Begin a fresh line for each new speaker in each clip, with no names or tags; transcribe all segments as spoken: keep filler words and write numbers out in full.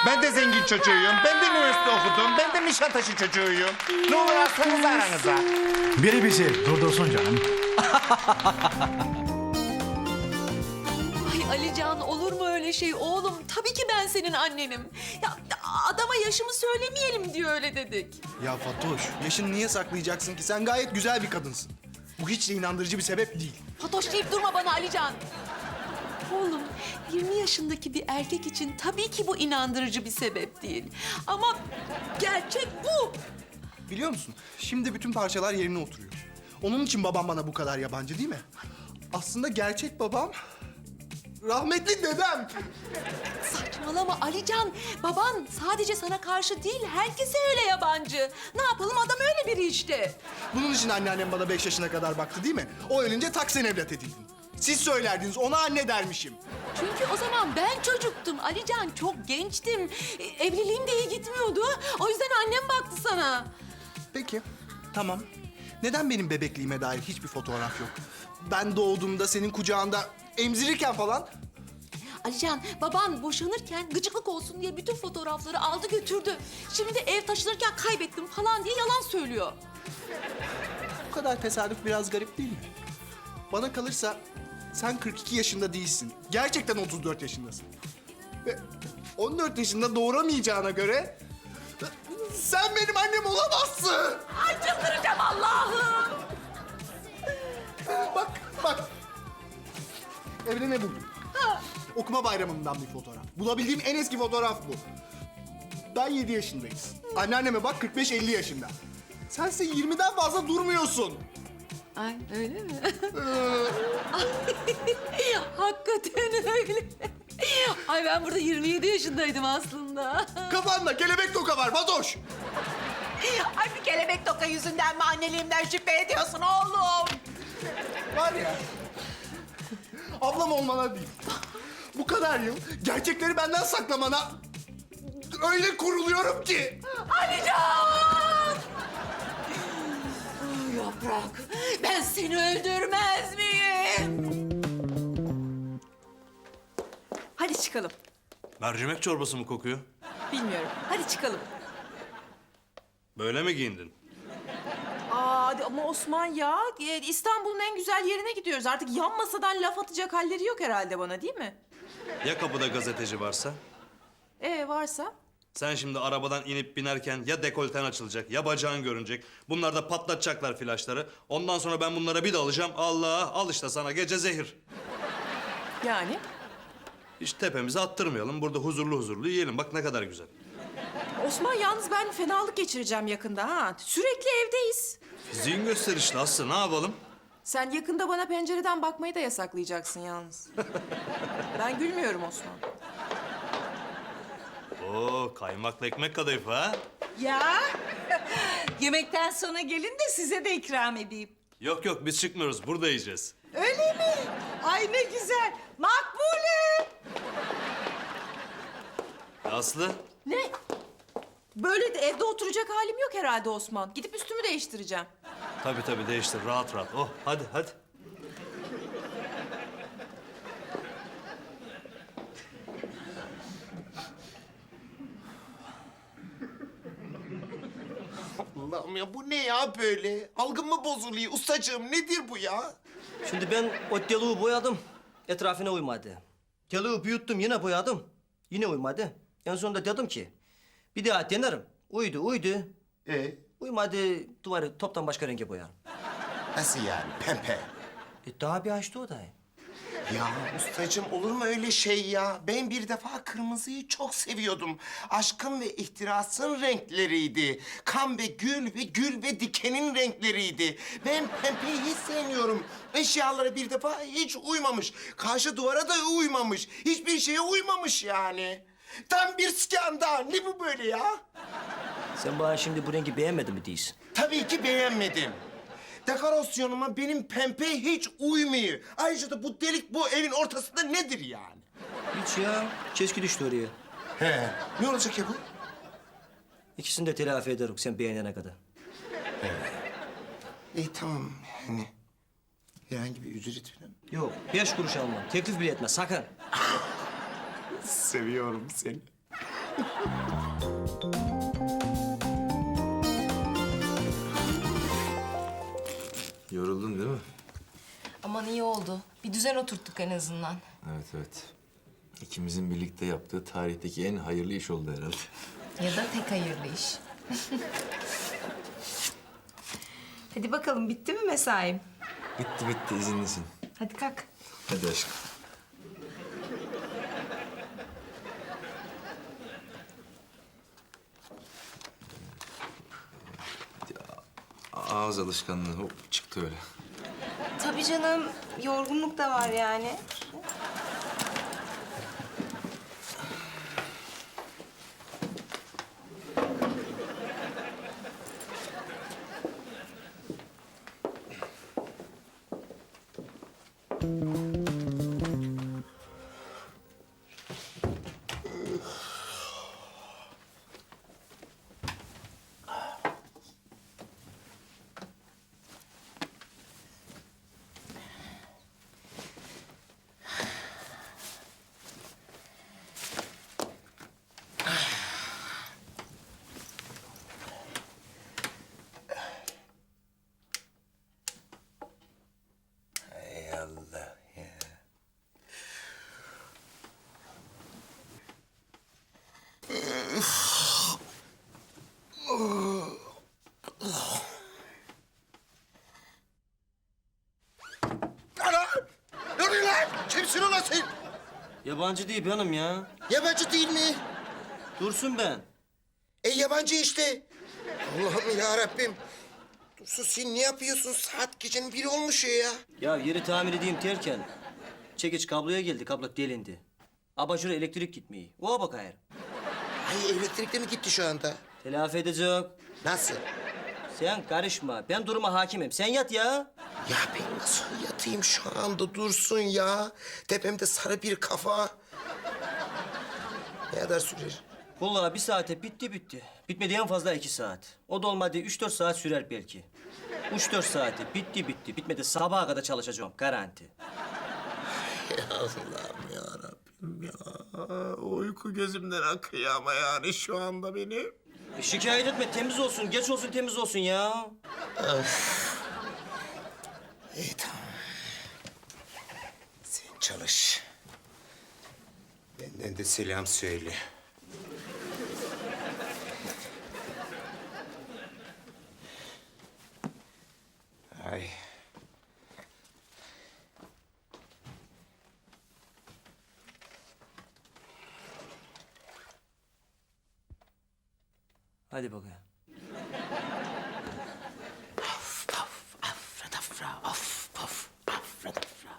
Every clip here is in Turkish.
Ben de zengin çocuğuyum. Ben de üniversite okudum. Ben de Nişantaşı çocuğuyum. Ne olur alsanız aranıza.
Biri bizi durdursun canım.
Ay Alican, olur mu öyle şey oğlum? Tabii ki ben senin annenim. Ya adama yaşımı söylemeyelim diye öyle dedik.
Ya Fatoş, yaşını niye saklayacaksın ki? Sen gayet güzel bir kadınsın. Bu hiç de inandırıcı bir sebep değil.
Fatoş deyip durma bana Alican. Oğlum, yirmi yaşındaki bir erkek için tabii ki bu inandırıcı bir sebep değil. Ama gerçek bu.
Biliyor musun? Şimdi bütün parçalar yerine oturuyor. Onun için babam bana bu kadar yabancı değil mi? Aslında gerçek babam... rahmetli dedem.
Saçmalama Alican. Baban sadece sana karşı değil, herkese öyle yabancı. Ne yapalım, adam öyle biri işte.
Bunun için anneannem bana beş yaşına kadar baktı değil mi? O ölünce taksen evlat edildim. Siz söylerdiniz, ona anne dermişim.
Çünkü o zaman ben çocuktum Alican, çok gençtim. E, Evliliğim de iyi gitmiyordu. O yüzden annem baktı sana.
Peki, tamam. Neden benim bebekliğime dair hiçbir fotoğraf yok? Ben doğduğumda senin kucağında emzirirken falan...
Alican, baban boşanırken gıcıklık olsun diye bütün fotoğrafları aldı götürdü. Şimdi de ev taşınırken kaybettim falan diye yalan söylüyor.
Bu kadar tesadüf biraz garip değil mi? Bana kalırsa sen kırk iki yaşında değilsin. Gerçekten otuz dört yaşındasın. Ve on dört yaşında doğuramayacağına göre... sen benim annem olamazsın.
Ay çıldıracağım Allah'ım.
Bak, bak. Evde ne buldum? Okuma bayramından bir fotoğraf. Bulabildiğim en eski fotoğraf bu. Ben yedi yaşındayız. Anneanneme bak kırk beş elli yaşında. Sense yirmiden fazla durmuyorsun.
Ay öyle mi? Hakikaten öyle. Ay ben burada yirmi yedi yaşındaydım aslında.
Kafanda kelebek toka var Fatoş.
Ay bir kelebek toka yüzünden mi anneliğimden şüphe ediyorsun oğlum?
Var ya. Ablam olmana değil. Bu kadar yıl gerçekleri benden saklamana öyle kuruluyorum ki.
Alican! Yaprak, ben seni öldürmez miyim?
Hadi çıkalım.
Mercimek çorbası mı kokuyor?
Bilmiyorum. Hadi çıkalım.
Böyle mi giyindin?
Aa ama Osman ya e, İstanbul'un en güzel yerine gidiyoruz. Artık yan masadan laf atacak halleri yok herhalde bana değil mi?
Ya kapıda gazeteci varsa?
Ee varsa?
Sen şimdi arabadan inip binerken ya dekolten açılacak ya bacağın görünecek. Bunlar da patlatacaklar flaşları. Ondan sonra ben bunlara bir de alacağım. Allah, al işte sana gece zehir.
Yani?
Hiç tepemize attırmayalım. Burada huzurlu huzurlu yiyelim. Bak ne kadar güzel.
Osman yalnız ben fenalık geçireceğim yakında ha. Sürekli evdeyiz.
Fiziğin gösterişli Aslı. Ne yapalım?
Sen yakında bana pencereden bakmayı da yasaklayacaksın yalnız. Ben gülmüyorum Osman.
Oo, kaymaklı ekmek kadayıfı ha?
Ya yemekten sonra gelin de size de ikram edeyim.
Yok yok biz çıkmıyoruz. Burada yiyeceğiz.
Öyle mi? Ay ne güzel. Makbule.
Aslı?
Ne? Böyle de evde oturacak halim yok herhalde Osman. Gidip üstümü değiştireceğim.
Tabii tabii değiştir. Rahat rahat. Oh hadi hadi.
Allah'ım ya bu ne ya böyle? Algım mı bozuluyor? Ustacığım nedir bu ya?
Şimdi ben o deliği boyadım. Etrafına uymadı. Deliği büyüttüm yine boyadım. Yine uymadı. En sonunda dedim ki bir daha denerim. Uydu uydu.
Ee,
Uymadı duvarı toptan başka renge boyarım.
nasıl yani pembe?
E, daha bir açtı o da.
Ya ustacığım olur mu öyle şey ya? Ben bir defa kırmızıyı çok seviyordum. Aşkın ve ihtirasın renkleriydi. Kan ve gül ve gül ve dikenin renkleriydi. Ben pembeyi hiç sevmiyorum. Eşyalara bir defa hiç uymamış. Karşı duvara da uymamış. Hiçbir şeye uymamış yani. Tam bir skandal. Ne bu böyle ya?
Sen bana şimdi bu rengi beğenmedin mi değilsin?
Tabii ki beğenmedim. Dekorasyonuma benim pembe hiç uymuyor. Ayrıca da bu delik bu evin ortasında nedir yani?
Hiç ya. Keşke düştü oraya.
He. Ne olacak ya bu?
İkisini de telafi ederim sen beğenene kadar.
İyi tamam yani. Herhangi bir ücret falan.
Yok beş kuruş almam. Teklif bile etme sakın.
Seviyorum seni.
Yoruldun değil mi?
Aman iyi oldu. Bir düzen oturttuk en azından.
Evet evet. İkimizin birlikte yaptığı tarihteki en hayırlı iş oldu herhalde.
Ya da tek hayırlı iş. Hadi bakalım bitti mi mesaim?
Bitti bitti izinlisin.
Hadi kalk.
Hadi aşkım. Ağız alışkanlığı hop çıktı öyle.
Tabii canım. Yorgunluk da var yani.
Ey Allah ya. Ana! Ne oluyor lan? Kimsin ulan sen?
Yabancı değil benim ya.
Yabancı değil mi?
Dursun ben.
E yabancı işte. Allah'ım ya Rabbim. Dursun sen ne yapıyorsun? Saat gecenin biri olmuş ya.
Ya yeri tamir edeyim derken çekiç kabloya geldi, kablo delindi. Abajura elektrik gitmiyor. Oğa bak hayır.
Ay elektrikte mi gitti şu anda?
Telafi edecek.
Nasıl?
Sen karışma. Ben duruma hakimim. Sen yat ya.
Ya ben nasıl yatayım şu anda Dursun ya? Tepemde sarı bir kafa. Ne kadar sürer?
Vallahi bir saate bitti bitti. Bitmedi en fazla iki saat. O da olmadı üç dört saat sürer belki. Üç dört saate bitti bitti. Bitmedi sabaha kadar çalışacağım. Garanti.
Ya Allah'ım ya Rabbim ya. Uyku gözümden akıyor ama yani şu anda benim.
E, şikayet etme. Temiz olsun. Geç olsun temiz olsun ya.
İyi tamam. Sen çalış. Benden de selam söyle. Ay.
Hadi bakayım.
Paf paf afradafra af paf afradafra.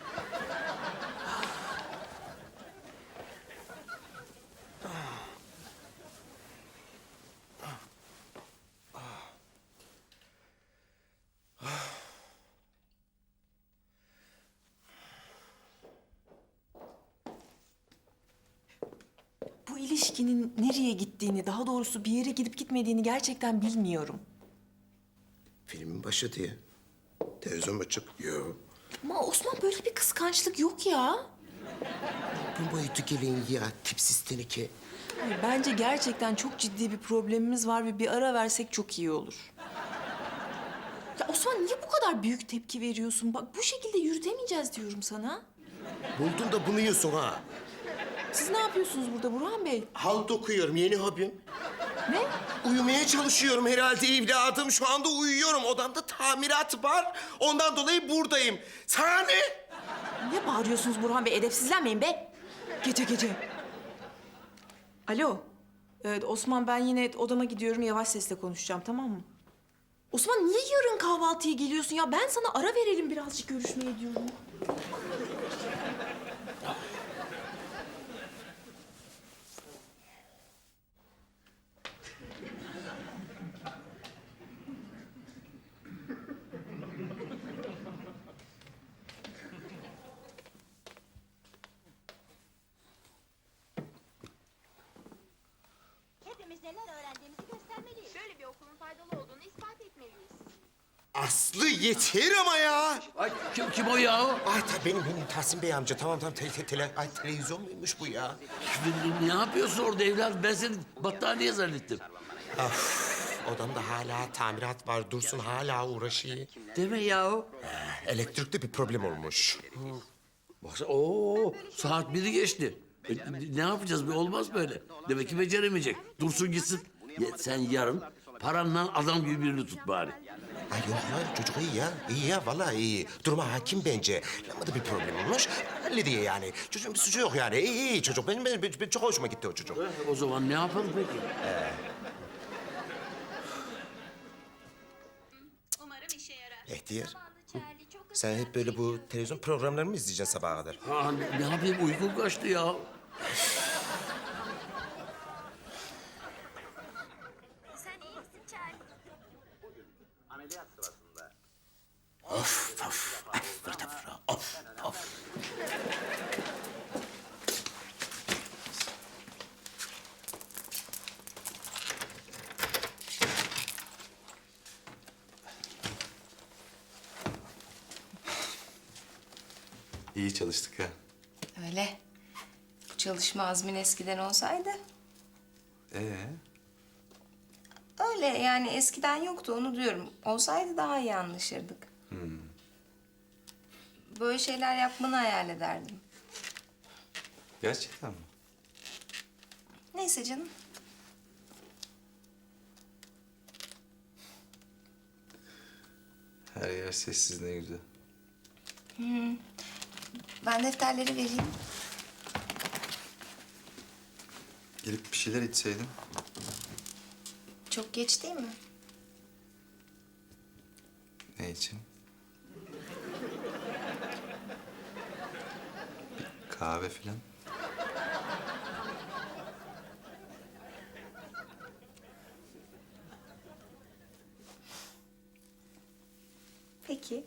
Bu ilişkinin nereye gittiğini, daha doğrusu bir yere gidip gitmediğini gerçekten bilmiyorum.
Filmin başı diye. Televizyon açık. Yok.
Ama Osman böyle bir kıskançlık yok ya.
Bu boyutu gelin ya tipsiz teneke.
Hayır, bence gerçekten çok ciddi bir problemimiz var ve bir ara versek çok iyi olur. Ya Osman niye bu kadar büyük tepki veriyorsun? Bak bu şekilde yürütemeyeceğiz diyorum sana.
Buldun da bunu yiyorsun ha.
Siz ne yapıyorsunuz burada Burhan Bey?
Halt okuyorum yeni hobim.
Ne?
Uyumaya çalışıyorum herhalde evladım. Şu anda uyuyorum. Odamda tamirat var. Ondan dolayı buradayım. Sana ne?
Ne bağırıyorsunuz Burhan Bey? Edepsizlenmeyin be. Gece gece. Alo. Evet Osman ben yine odama gidiyorum. Yavaş sesle konuşacağım tamam mı? Osman niye yarın kahvaltıya geliyorsun ya? Ben sana ara verelim birazcık görüşmeye diyorum.
Hepimiz neler öğrendiğimizi göstermeliyiz.
Böyle bir okulun faydalı olduğunu ispat etmeliyiz.
Aslı yeter ama ya.
Ay kim, kim o ya?
Ay ta, benim benim Tahsin Bey amca. Tamam tamam te, te, tele, ay, televizyon muymuş bu ya?
Ne, ne yapıyorsun orada evladım? Ben seni battaniye zannettim.
Odamda hala tamirat var. Dursun hala uğraşıyor.
Deme ya.
Elektrikte bir problem olmuş.
Baksana oo saat biri geçti. E, ne yapacağız? Bir olmaz böyle. Demek ki beceremeyecek. Dursun gitsin. Ya, sen yarın paranla adam gibi birini tut bari.
Ay yok ya çocuk iyi ya. İyi ya vallahi iyi. Duruma hakim bence. Lambada bir problem olmuş. Hallediyor yani. Çocuğun bir suçu yok yani. İyi iyi çocuk. Benim, benim, benim çok hoşuma gitti o çocuk.
O zaman ne yapalım peki?
Umarım işe yarar.
Ehtiyar.
Zamanlı Charlie çok
Sen hep böyle bu televizyon programlarını mı izleyeceksin sabaha kadar?
Ha, ne, ne yapayım uykum kaçtı ya.
Sen iyi misin Charlie?
Of of. Of fırta fırta. Of of.
İyi çalıştık ha.
Öyle. Bu çalışma azmin eskiden olsaydı.
Ee?
Öyle yani eskiden yoktu onu diyorum. Olsaydı daha iyi anlaşırdık. Böyle şeyler yapmanı hayal ederdim.
Gerçekten mi?
Neyse canım.
Her yer sessiz ne güzel.
Ben defterleri vereyim.
Gelip bir şeyler içseydin.
Çok geç değil mi?
Ne için? Bir kahve filan.
Peki.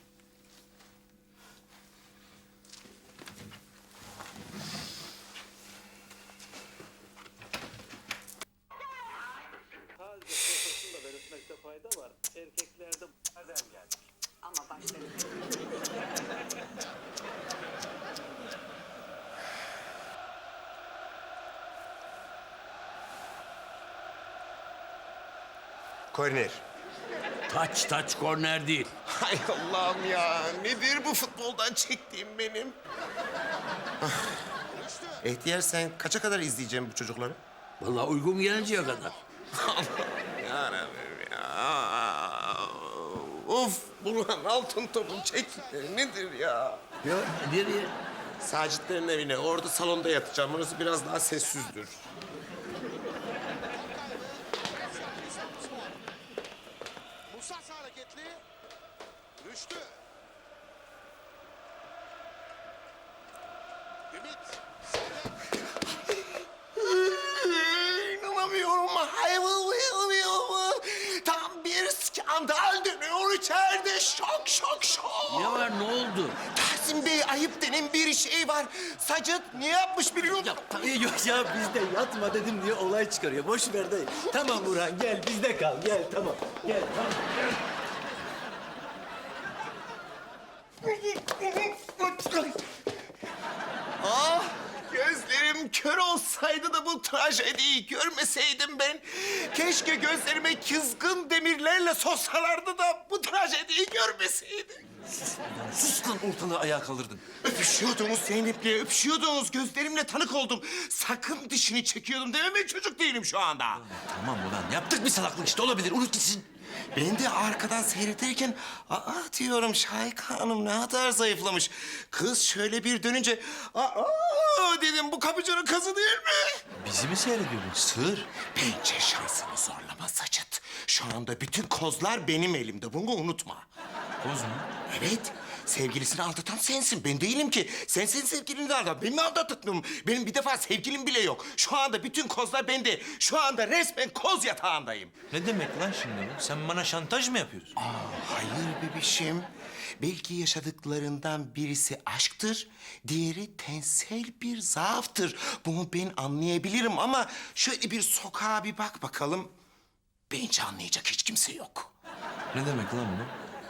Korner.
Taç taç korner değil.
Hay Allah'ım ya. Nedir bu futboldan çektiğim benim? Ah. Ehtiyar sen kaça kadar izleyeceğim bu çocukları?
Vallahi uygun gelinceye kadar.
Yarabbim ya. Of Burhan altın topun çektikleri nedir ya?
Ya nereye?
Sacitlerin evine. Orada salonda yatacağım. Orası biraz daha sessizdir.
Musa hareketli. Rüştü. Ümit.
İnanamıyorum. Hayvanlıyorum. Tam bir skandal dönüyor içeride. Şok şok şok.
Ne var ne oldu?
Tahsin Bey ayıp denen bir şey var. Sacit ne yapmış biliyor musun?
Yok ya bizde yatma dedim diye olay çıkarıyor. Boş ver dayı. Tamam Burhan gel bizde kal gel tamam. Gel tamam.
Ah gözlerim kör olsaydı da bu trajediyi görmeseydim ben. Keşke gözlerime kızgın demirlerle soksalardı da bu trajediyi görmeseydim.
Sus lan ortalığı ayağa kaldırdın.
Öpüşüyordunuz Zeynep'le, öpüşüyordunuz. Gözlerimle tanık oldum. Sakın dişini çekiyordum dememe çocuk değilim şu anda.
Tamam ulan yaptık bir salaklık işte olabilir unut gitsin.
Ben de arkadan seyrederken aa diyorum Şahika Hanım ne kadar zayıflamış. Kız şöyle bir dönünce aa dedim bu kapıcının kızı değil mi?
Bizi mi seyrediyordun sığır?
Bence şansını zorlama Sacit. Şu anda bütün kozlar benim elimde. Bunu unutma.
Koz mu?
Evet. Sevgilisini aldatan sensin. Ben değilim ki. Sen senin sevgilini de aldat. Beni mi aldattın? Benim bir defa sevgilim bile yok. Şu anda bütün kozlar bende. Şu anda resmen koz yatağındayım.
Ne demek lan şimdi bu? Sen bana şantaj mı yapıyorsun?
Hayır bebişim. Belki yaşadıklarından birisi aşktır, diğeri tensel bir zaaftır. Bunu ben anlayabilirim ama şöyle bir sokağa bir bak bakalım. Bence anlayacak hiç kimse yok.
Ne demek lan bu?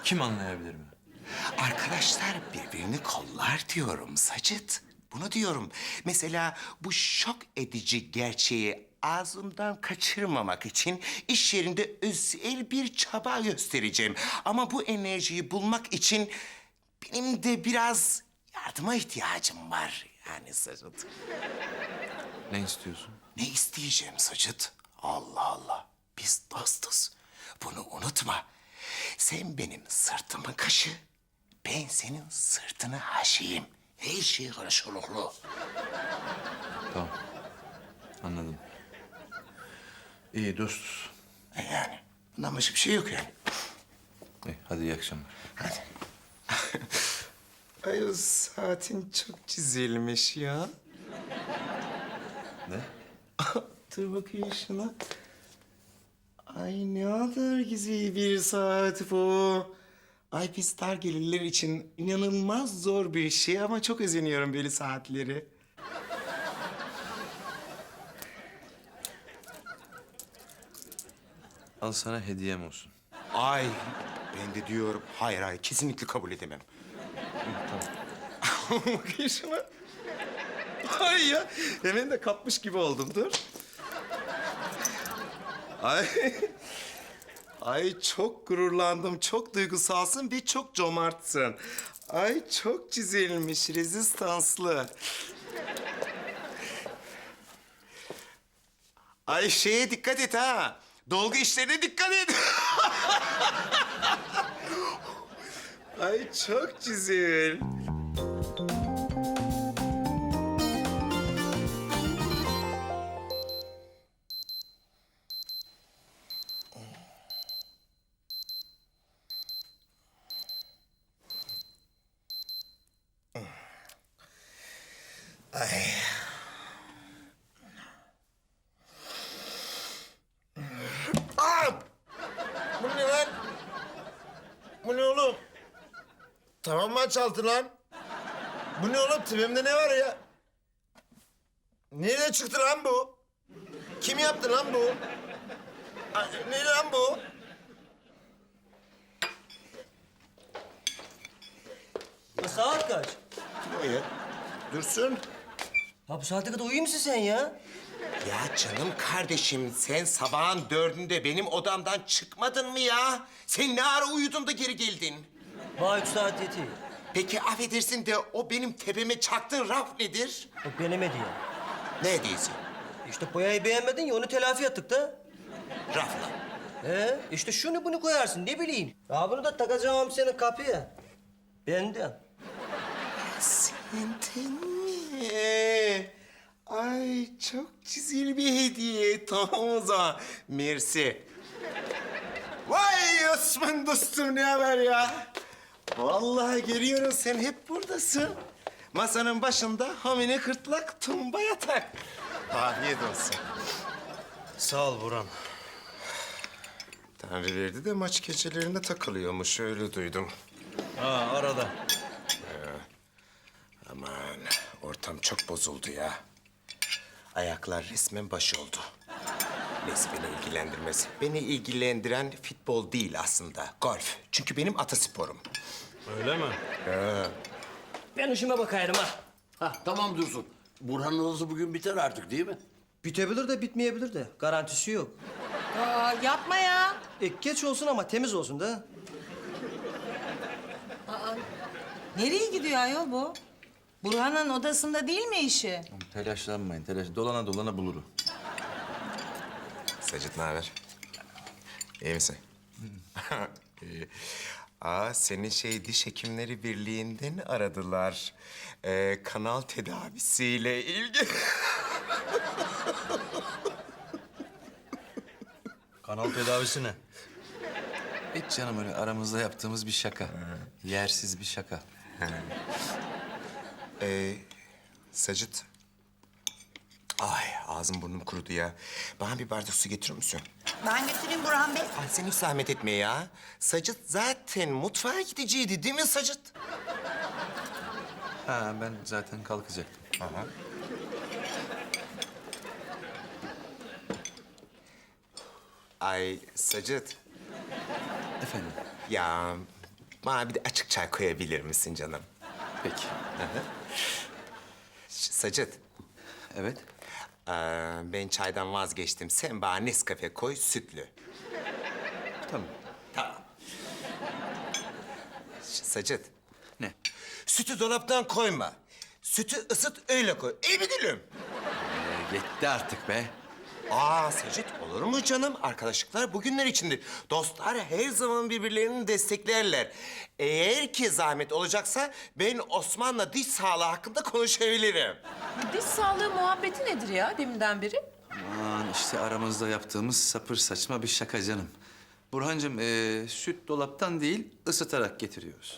Kim anlayabilir mi?
Arkadaşlar birbirini kollar diyorum Sacit. Bunu diyorum. Mesela bu şok edici gerçeği ağzımdan kaçırmamak için iş yerinde özel bir çaba göstereceğim. Ama bu enerjiyi bulmak için benim de biraz yardıma ihtiyacım var. Yani Sacit.
Ne istiyorsun?
Ne isteyeceğim Sacit? Allah Allah. Biz dostuz. Bunu unutma. Sen benim sırtımın kaşı, ben senin sırtını haşiyim. Her şey karşılıklı.
Tamam. Anladım. İyi dostuz.
E Yani bundan başka bir şey yok yani.
İyi, hadi iyi akşamlar.
Hadi. Ay o saatin çok çizilmiş ya.
Ne?
Dur bakayım şuna. Ay ne kadar güzel bir saat bu. Ay biz dar gelirler için inanılmaz zor bir şey ama çok özeniyorum böyle saatleri.
Al sana hediyem olsun.
Ay ben de diyorum hayır hayır kesinlikle kabul edemem. Tamam. Bakayım şuna. Ay ya hemen de kapmış gibi oldum dur. Ay. Ay çok gururlandım, çok duygusalsın ve çok cömertsin. Ay çok çizilmiş, rezistanslı. Ay şeye dikkat et ha. Dolgu işlerine dikkat et. Ay çok güzel. Ay. Aa! Bu ne lan? Bu ne oğlum? Tamam mı çaltı lan? Bu ne oğlum? Tipimde ne var ya? Nereden çıktı lan bu? Kim yaptı lan bu? Ay, ne lan bu?
Ya saat kaç?
O ya. Dursun.
Ya bu saate kadar uyuyor musun sen ya?
Ya canım kardeşim sen sabahın dördünde benim odamdan çıkmadın mı ya? Sen ne ara uyudun da geri geldin?
Bana üç saat yetiyor.
Peki affedersin de o benim tepeme çaktığın raf nedir?
O benim hediye.
Ne hediyesi?
İşte boyayı beğenmedin ya onu telafi ettik de.
Rafla.
He işte şunu bunu koyarsın ne bileyim. Ya bunu da takacağım senin kapıya. Benden.
Senden mi? Ay çok güzel bir hediye. Tamam o zaman. Mersi. Vay Osman dostum ne haber ya? Vallahi görüyorum sen hep buradasın. Masanın başında hamine kırtlak tumba yatak. Afiyet olsun.
Sağ ol Burhan.
Tanrı verdi de maç gecelerinde takılıyormuş öyle duydum.
Ha arada.
Aman ortam çok bozuldu ya. Ayaklar resmen baş oldu. Neyse beni ilgilendirmez. Beni ilgilendiren futbol değil aslında, golf. Çünkü benim atasporum.
Öyle mi?
Ben işime bakayım ha.
Ha tamam Dursun. Burhan'ın odası bugün biter artık değil mi?
Bitebilir de bitmeyebilir de. Garantisi yok.
Aa, yapma ya.
E, geç olsun ama temiz olsun da.
Nereye gidiyor ayol bu? Burhan'ın odasında değil mi işi?
Telaşlanmayın, telaş. Dolana dolana bulurum.
Sacit ne haber? İyi misin? İyi. Aa, seni şey diş hekimleri birliğinden aradılar. Ee, kanal tedavisiyle ilgili.
Kanal tedavisi ne?
Hiç canım öyle aramızda yaptığımız bir şaka. Yersiz bir şaka.
Ee, Sacit. Ay ağzım burnum kurudu ya. Bana bir bardak su getirir misin?
Ben götüreyim Burhan Bey.
Ay sen hiç zahmet etme ya. Sacit zaten mutfağa gideceydi değil mi Sacit?
Ha ben zaten kalkacaktım.
Aha. Ay Sacit.
Efendim?
Ya Bana bir de açık çay koyabilir misin canım?
Peki.
Ş- Sacit.
Evet.
Ee, ben çaydan vazgeçtim. Sen bana Nescafe koy, sütlü.
Tamam.
Tamam. Ş- Sacit.
Ne?
Sütü dolaptan koyma. Sütü ısıt, öyle koy. İyi mi gülüm?
Ee, yetti artık be.
Aa Sacit, olur mu canım? Arkadaşlıklar bugünler içindir. Dostlar her zaman birbirlerini desteklerler. Eğer ki zahmet olacaksa ben Osman'la diş sağlığı hakkında konuşabilirim.
Diş sağlığı muhabbeti nedir ya deminden beri?
Aman işte aramızda yaptığımız sapır saçma bir şaka canım. Burhancığım ee, süt dolaptan değil ısıtarak getiriyoruz.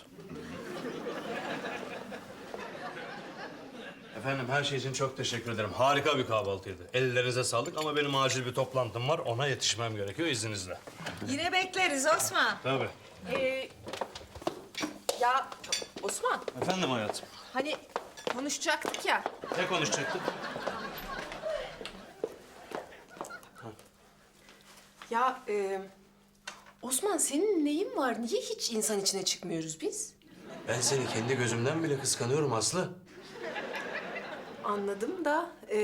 Efendim her şey için çok teşekkür ederim. Harika bir kahvaltıydı. Ellerinize sağlık ama benim acil bir toplantım var. Ona yetişmem gerekiyor izninizle.
Yine bekleriz Osman.
Tabii.
Ee, ya Osman,
Efendim hayatım.
hani konuşacaktık ya.
Ne konuşacaktık?
Ya e, Osman senin neyin var? Niye hiç insan içine çıkmıyoruz biz?
Ben seni kendi gözümden bile kıskanıyorum Aslı.
Anladım da e,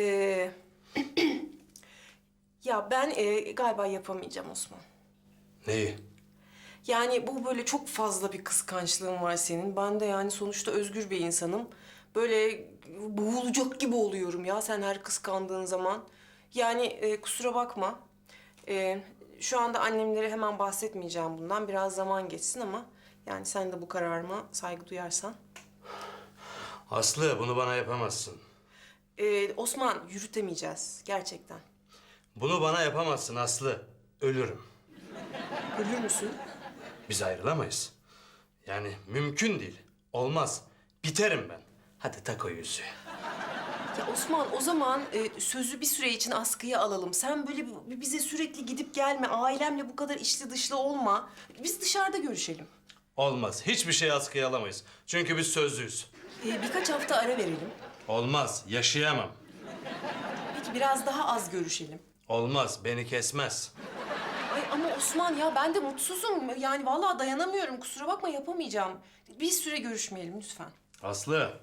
ya ben e, galiba yapamayacağım Osman.
Neyi?
Yani bu böyle çok fazla bir kıskançlığın var senin. Ben de yani sonuçta özgür bir insanım. Böyle boğulacak gibi oluyorum ya sen her kıskandığın zaman. Yani e, kusura bakma. E, şu anda annemlere hemen bahsetmeyeceğim bundan. Biraz zaman geçsin ama yani sen de bu kararıma saygı duyarsan.
Aslı bunu bana yapamazsın.
E, Osman yürütemeyeceğiz gerçekten.
Bunu bana yapamazsın Aslı. Ölürüm.
Ölür müsün?
Biz ayrılamayız. Yani mümkün değil. Olmaz. Biterim ben. Hadi tak o yüzüğü.
Ya Osman o zaman e, sözü bir süre için askıya alalım. Sen böyle bi- bize sürekli gidip gelme. Ailemle bu kadar içli dışlı olma. Biz dışarıda görüşelim.
Olmaz. Hiçbir şey askıya alamayız. Çünkü biz sözlüyüz.
E, birkaç hafta ara verelim.
Olmaz. Yaşayamam.
Peki biraz daha az görüşelim.
Olmaz. Beni kesmez.
Ay ama Osman ya ben de mutsuzum. Yani vallahi dayanamıyorum. Kusura bakma yapamayacağım. Bir süre görüşmeyelim lütfen.
Aslı.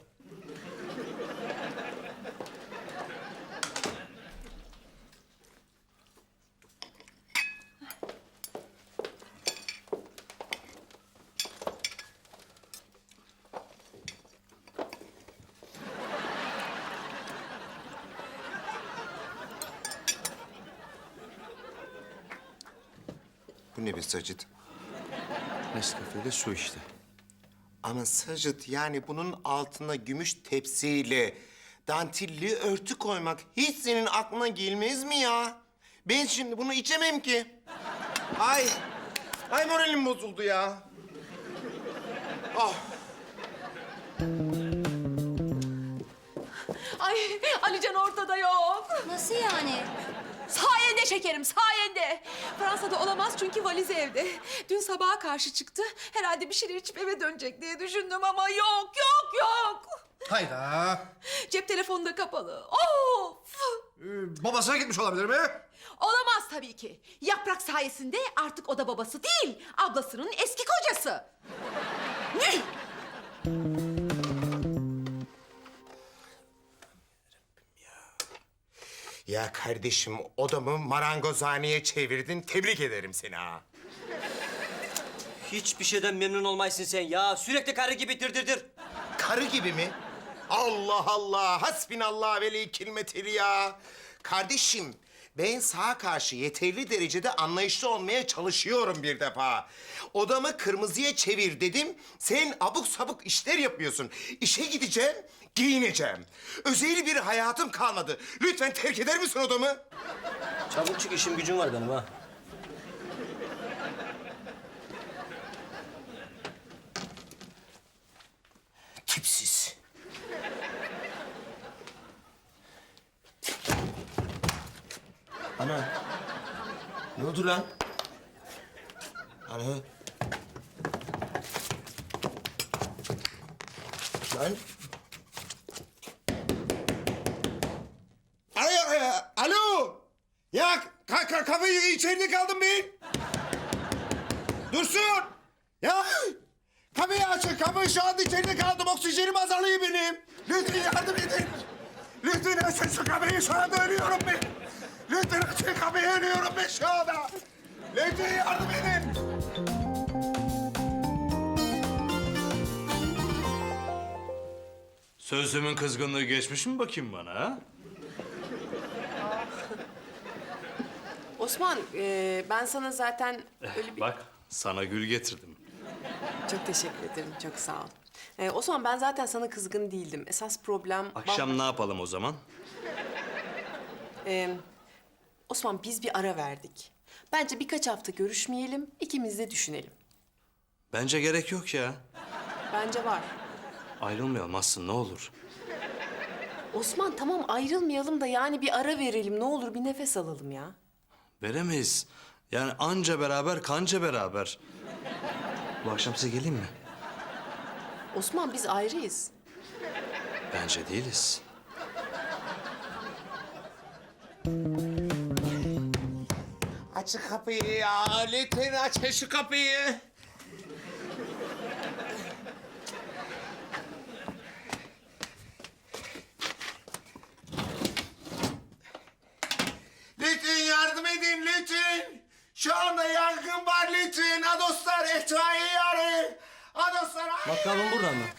Bu ne be Sacit?
Nescafe'de su işte.
Ama Sacit yani bunun altına gümüş tepsiyle dantilli örtü koymak hiç senin aklına gelmez mi ya? Ben şimdi bunu içemem ki. Ay, ay moralim bozuldu ya. Ah.
Ay Alican ortada yok.
Nasıl yani?
Sayende şekerim, sayende. Fransa'da olamaz çünkü valizi evde. Dün sabaha karşı çıktı. Herhalde bir şeyler içip eve dönecek diye düşündüm ama yok, yok, yok.
Hayda.
Cep telefonu da kapalı. Of!
Ee, babasına gitmiş olabilir mi?
Olamaz tabii ki. Yaprak sayesinde artık o da babası değil, ablasının eski kocası. Ne?
Ya kardeşim odamı marangozhaneye çevirdin. Tebrik ederim seni ha.
Hiçbir şeyden memnun olmaysın sen ya. Sürekli karı gibi dirdirdir.
Karı gibi mi? Allah Allah, hasbinallah ve leykil metel ya. Kardeşim, ben sağa karşı yeterli derecede anlayışlı olmaya çalışıyorum bir defa. Odamı kırmızıya çevir dedim, sen abuk sabuk işler yapıyorsun. İşe gideceğim, giyineceğim. Özel bir hayatım kalmadı. Lütfen terk eder misin odamı?
Çabuk çık, işim gücüm var benim ha.
Tipsiz. Ana. Ne oldu lan? Ana. Lan. Alo, alo. Ya ka ka kafayı içeride kaldım ben. Dursun. Ya Kapıyı açın, kapıyı şu anda içeride kaldım. Oksijenim azalıyor benim. Lütfen yardım edin. Lütfen açın şu kapıyı, şu anda ölüyorum ben. Lütfen açın kapıyı, ölüyorum ben şu anda. Lütfen yardım edin.
Sözlümün kızgınlığı geçmiş mi bakayım bana ha?
Osman, e, ben sana zaten öyle bir...
Bak sana gül getirdim.
Çok teşekkür ederim, çok sağ ol. E, Osman, ben zaten sana kızgın değildim. Esas problem...
Akşam ne yapalım o zaman?
E, Osman, biz bir ara verdik. Bence birkaç hafta görüşmeyelim, ikimiz de düşünelim.
Bence gerek yok ya.
Bence var.
Ayrılmayalım Aslı ne olur.
Osman, tamam ayrılmayalım da yani bir ara verelim. Ne olur bir nefes alalım ya.
Veremeyiz. Yani anca beraber kanca beraber. Bu akşam size geleyim mi?
Osman, biz ayrıyız.
Bence değiliz.
Açın kapıyı ya. Lütfen açın şu kapıyı. Lütfen yardım edin lütfen. Şu anda yangın var lütfen. Adoslar itfaiye arayın. Adoslar arayın.
Bakalım burada mı?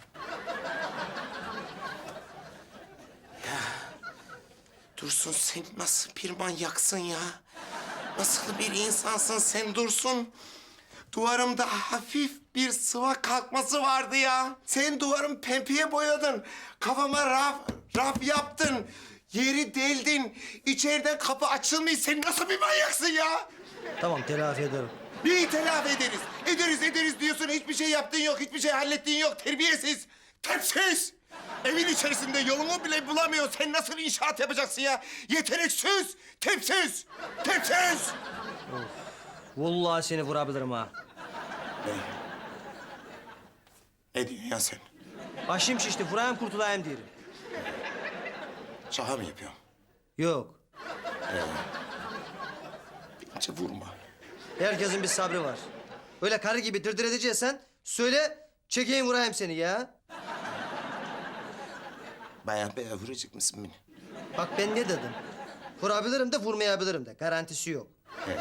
Dursun, sen nasıl bir manyaksın ya? Nasıl bir insansın sen Dursun? Duvarımda hafif bir sıva kalkması vardı ya. Sen duvarımı pembeye boyadın. Kafama raf, raf yaptın. Yeri deldin. İçeriden kapı açılmıyor. Sen nasıl bir manyaksın ya?
Tamam telafi ederim.
Neyi telafi ederiz? Ederiz ederiz diyorsun. Hiçbir şey yaptığın yok. Hiçbir şey hallettiğin yok. Terbiyesiz. Tepsiz. Evin içerisinde yolunu bile bulamıyor. Sen nasıl inşaat yapacaksın ya? Yeteneksiz. Tepsiz. Tepsiz.
Vallahi seni vurabilirim ha.
Ne diyorsun ya sen?
Başım şişti, vurayım kurtulayım diyelim.
Şaka mı yapıyorsun?
Yok.
Bence vurma.
Herkesin bir sabrı var. Öyle karı gibi dırdır edeceksen söyle, çekeyim vurayım seni ya.
Bayağı bayağı vuracak mısın beni?
Bak ben ne dedim? Vurabilirim de vurmayabilirim de. Garantisi yok.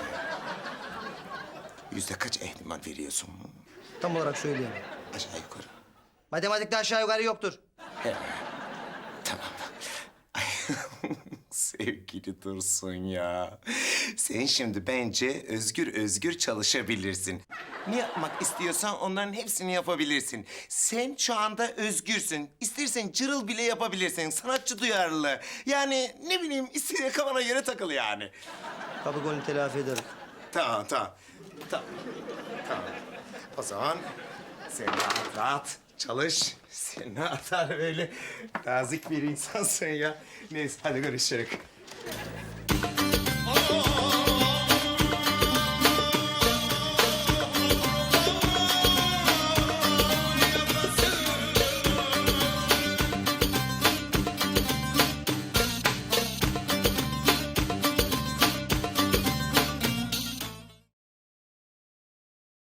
Yüzde kaç ihtimal veriyorsun?
Tam olarak söyleyemem.
Aşağı yukarı.
Matematikte aşağı yukarı yoktur.
Tamam. Ay, sevgili Dursun ya. Sen şimdi bence özgür özgür çalışabilirsin. Ne yapmak istiyorsan onların hepsini yapabilirsin. Sen şu anda özgürsün. İstersen cırıl bile yapabilirsin. Sanatçı duyarlı. Yani ne bileyim istediğin kafana göre takıl yani.
Kapı golünü telafi ederim.
Tamam, tamam. Tamam. Tamam. O zaman sen rahat rahat çalış. Sen ne atar böyle nazik bir insansın ya. Neyse hadi görüşürüz.